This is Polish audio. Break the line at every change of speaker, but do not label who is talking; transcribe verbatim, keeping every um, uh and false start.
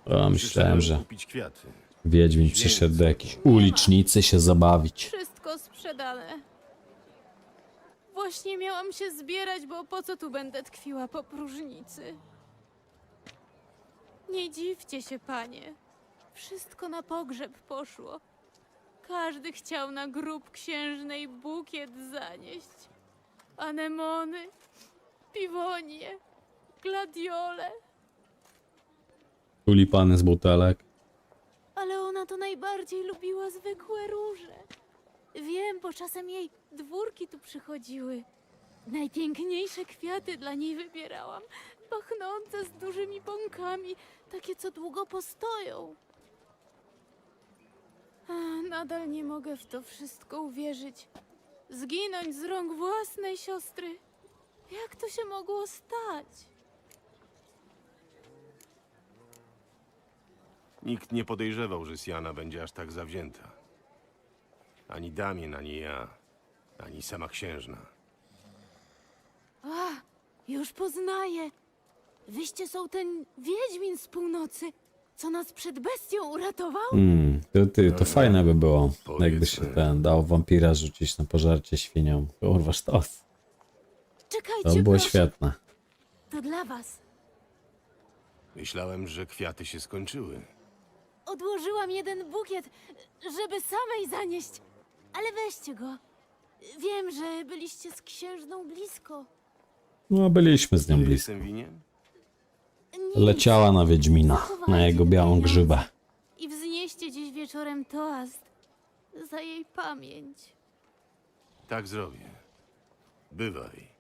O, myślałem, że
kupić kwiaty.
Wiedźmin przyszedł do jakiejś ulicznicy się zabawić.
Wszystko sprzedane. Właśnie miałam się zbierać, bo po co tu będę tkwiła po próżnicy? Nie dziwcie się, panie. Wszystko na pogrzeb poszło. Każdy chciał na grób księżnej bukiet zanieść. Anemony, piwonie, gladiole.
Tulipany z butelek.
Ale ona to najbardziej lubiła zwykłe róże. Wiem, bo czasem jej dwórki tu przychodziły. Najpiękniejsze kwiaty dla niej wybierałam. Pachnące z dużymi bąkami, takie co długo postoją. A, nadal nie mogę w to wszystko uwierzyć. Zginąć z rąk własnej siostry. Jak to się mogło stać?
Nikt nie podejrzewał, że Siana będzie aż tak zawzięta. Ani Damien, ani ja, ani sama księżna.
A, już poznaję. Wyście są ten wiedźmin z północy, co nas przed bestią uratował?
Hmm, to, ty, to fajne by było, jakby się
Powiedzmy.
ten dał wampira rzucić na pożarcie świnią. Kurwa, sztos.
Czekajcie,
To by było
proszę.
świetne.
To dla was.
Myślałem, że kwiaty się skończyły.
Odłożyłam jeden bukiet, żeby samej zanieść. Ale weźcie go. Wiem, że byliście z księżną blisko.
No, byliśmy z nią
Nie
blisko.
jestem winien?
Nic.
Leciała na Wiedźmina, na jego białą grzybę.
I wznieście dziś wieczorem toast za jej pamięć.
Tak zrobię. Bywaj.